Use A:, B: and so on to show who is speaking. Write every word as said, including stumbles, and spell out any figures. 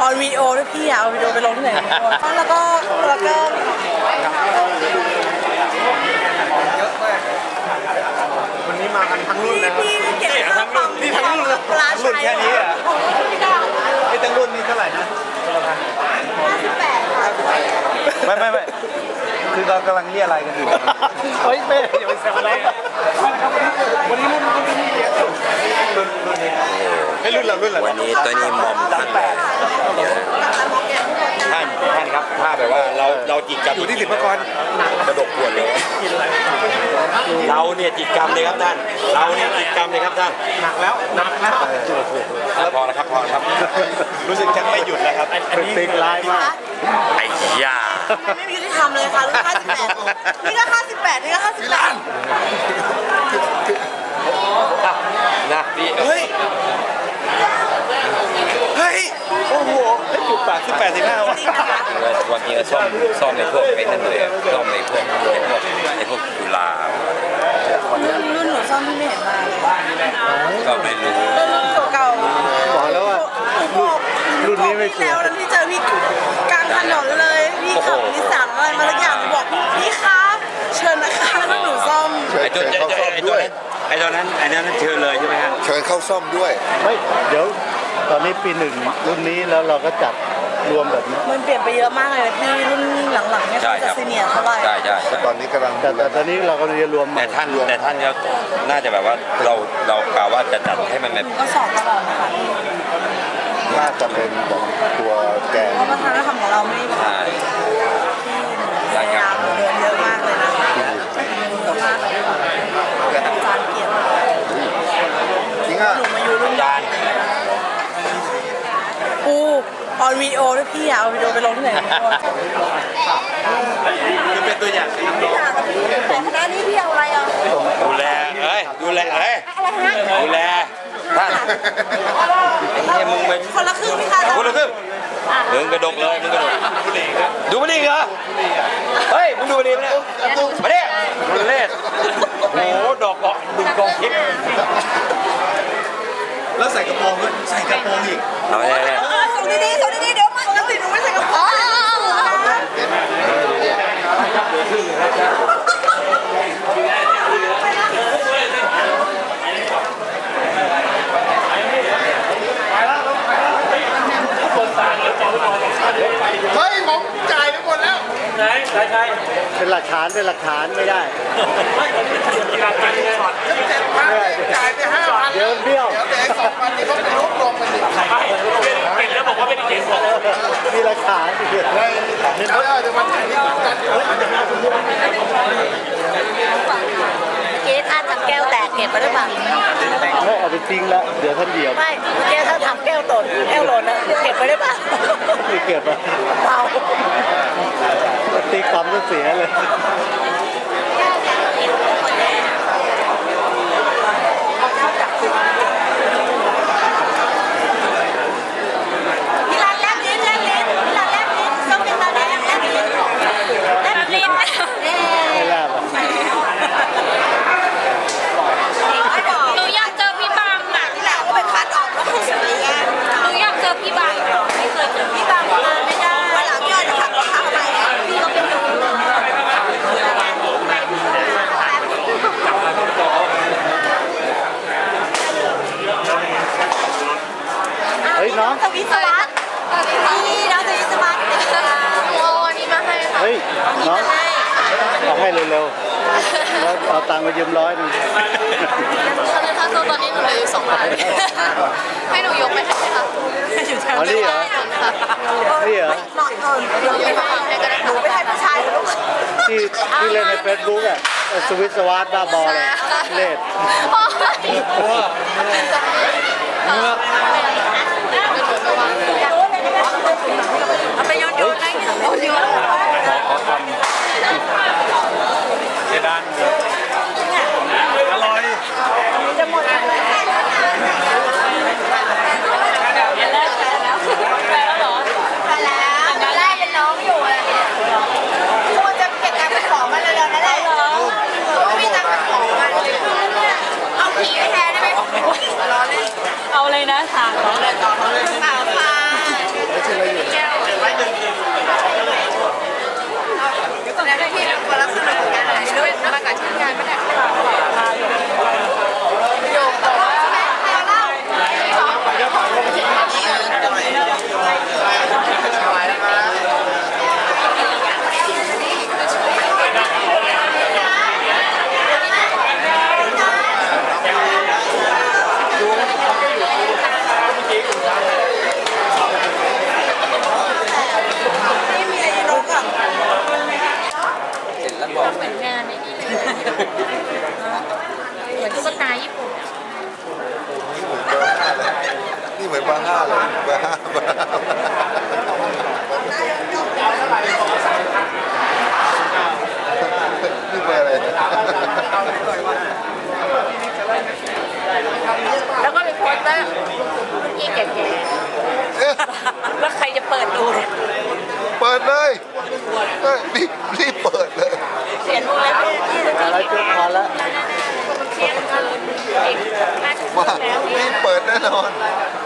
A: อนวีดีโอด้วยพี่อะเอาวิดีโอไปลงที่ไหนแล้วก็แล้วก็
B: วันนี้มากันทั้งรุ่นนะ
A: พี่เก็บทั้งรุ่น
B: นี่ทั้งรุ่นเลยรุ่นแค่นี้อ่ะไอ้ทั้งรุ่นนี้เท่าไหร่นะ
A: ห้าสิบแปด
B: ไม่ไม่ไม่คือเรากำลังเรียอะไรกันอยู่เฮ้ยเป้อย่าไปแซวอะไรวันนี้รุ่นรุ่นนี้รุ่นรุ่นนี้ไอ้รุ่นเรารุ่นเรา
C: วันนี้ตัวนี้มอมท่านท่านท่านครับถ้าแบบว่าเราเราจิตกรรม
B: อยู่ที่สิบประกรณ์
C: กระดกขวดเลยเราเนี่ยจิตกรรมเลยครับท่านเราเนี่ยจิตกรรมเลยครับท่าน
B: หนักแล้วหนักแล้ว
C: พอแล้วครับพอแล้วครับ
B: รู้สึกชักไม่หยุดแล้วครับอันนี้ติ๊กไลน์มาก
C: ไอ้ย่า
A: ไม่มียุติธรรมเลยค่ะรุ่นห้าสิบแปดนี่ก็ห้าสิบแปดนี่ก็ห้าสิบแปด
C: นะ
B: เฮ้ยเฮ้ยโอ้โหจุดแปดสิบแปดสิบห้าวัน
C: วันนี้ซ่อมซ่อมในพวกไอ้นั่นเลยซ่อมในพวกไอ้พวกไอ้พวกจุฬา
A: รุ่นหนูซ่อมที่ไม่เห็นมา
C: ก็ไม่รู้
A: รุ่นเก่าๆ
B: บอกแล้วว่ารุ่นนี้ไม่
A: เจอแล้วที่เจอพี่กลางถนนเลยพี่ขับนิสสันอะไรมาแล้วอย่างบอกพี่คะเชิญนะคะแล้วหนูซ่อม
C: ไอ้ตัวไอ้ตัวนั้นไอ้ตัวนั้นไอ้นั้นเชิญเลยใช่ไหมฮะ
D: เชิญเข้าซ่อมด้วย
B: ไม่เดี๋ยวตอนนี้ปีหนึ่งรุ่นนี้แล้วเราก็จัดรวมแบบนี้
A: มันเปลี่ยนไปเยอะมากเลยพี่รุ่นหลังๆเนี่ยเขาจะซีเนียร์เท่าไหร่
C: ใช่ใช่
D: ตอนนี้กำลัง
B: แต่แต่ตอนนี้เราก็เรียนรวม
C: แต่ท่านแต่ท่านก็น่าจะแบบว่าเราเรากล่าวว่าจะจัดให้มันแบบ
A: ก็สอบตลอดนะคะ
D: น่าจะเป็นแบบตัวแกน
A: เพราะว่าทางนักทำของเราไม่
C: ใช่
A: พยายามเดินเยอะมากเลยนะเยอะมากเลยอาจารย์เกียรติ
D: จริงอ่ะ
A: หนูมาอยู่รุ่น
C: จาน
A: ปูออนวีดีโอด้วยพี่อะเอาวิดีโอไปลงที่ไหน
B: คือเป็นตัวอย่าง
A: แต่คณะนี้พี่เอาอะไรอ่ะ
C: ดูแลเอ้ยดูแลเอ้ยดูแลท่านไอ้เนี่ยมึงเป็น
A: คนละครึ่งพี่คะ
C: คนละครึ่งมึงกระดกเลยมึงกระดกดูมันดิเหรอเฮ้ยมึงดูมันดิมันเนี่ยมาดิมันเล่นโอ้โหดอกเกาะดึงกองทิพย์
B: แล้วใส่กระโปรงด้วยใส่กระโปรงอีก
C: เอาเลย
A: ส่งดีๆส่งดีๆเดี๋ยวมันจะติดหนูไม่ใส่กระโปรง
D: เฮ้ยผมจ่ายไปหมดแล้ว
B: ไหนใช่ใช่เป็นหลักฐานเป็นหลักฐานไม่ได้ไม่หลักฐานไงเจ็ดพันจ่ายไปห้าพันเดี๋ยวเบี้ยวเดี๋ยวเด็กสองพันนี่เขาไปลบลงมันดิเห็นแล้วบอกว่าเป็นเด็กสองมีหลักฐานเห็นเลยเอาเอาเดี๋ยวมันจ่ายที่กัน
A: เกท่าทำแก้วแตกเก็บไปหรือเปล่า
B: ไม่เอาไปทิ้งแล้วเดี๋ยวท่านเดียว
A: ไม่เกท่าทำแก้วตนแก้วหล่นนะเก็บไปได้ป่ะ
B: ไม่เก็บอ่ะ
A: เปล่า
B: ตีความก็เสียเลย
A: พี่รันแลบลิ้นแลบลิ้นพี่รันแลบลิ้นต้องเป็นตาแลบแลบลิ้นแลบลิ้น
B: ไม่แลบอ่ะ
E: หนูอยากเจอพี่บางอ่ะ
A: ที่หลังก็ไปคัดออกแล้วคุณสวยงาม
E: หนูอยากเจอพี่บางไม่เคยเจอ
A: พี่บางมาไม่ได้วันหลังย่อยจะขับรถเข้าไปพี่ก็เป็นดู
B: เฮ้ยน้อง
A: สวิสวัสดิ์นี่น้องสวิสวัสดิ์
E: โอ้อันนี้มาให้ค่ะ
B: เฮ้ยน้องเอาให้เร็วๆแล้วเอาตังค์มายืมร้อยนึง
E: ถ้าโซตอนนี้หนูเหลืออยู่สองล้านให้หนูยกไปให้ไหมคะ
B: อ๋อนี่เหรอนี่เหรอ
A: หน่อยเกินเดี๋ยวไปให้ก็ได้หนูไปให้ผู้ชายลูก
B: ที่ที่เล่นในเฟซบุ๊กอ่ะสวิสวัสดิ์บ้าบอเลยเล่น
A: เอาไปโยนโยนให้โยนโยน
B: เจดานอร่อย
A: จะหมดแล้วแปลแล้วเหรอแปลแล้วตอนแรกเป็นน้องอยู่อะไรเนี่ยควรจะเก็บตังค์ไปของมาเลยๆนั่นแหละไม่มีตังค์ไปของมาเลยเอาผีไปแทนได้ไหมเอาเลยนะถามเขาเลยต่อเขาเลยถามมาเหมือนตุ๊กตาญี่ปุ่น
D: นี่เหมือนเบอร์ห้าเลยเบอร์ห้าเบอร์ห้านี่เบอร์อะไร
A: แล้วก็เป็นโพสเตอร์พี่แก่ๆแล้วใครจะเปิดดูเนี่ย
D: เปิดเลยเฮ้ยรีบรีบเปิดเลย
A: เขียนวงเล็บที่
B: อะไรจุดพอแล้ว
A: เขียนเกินอีกห้าสิบ
D: มา
A: แล้ว
D: รีบเปิดแน่นอน
A: เ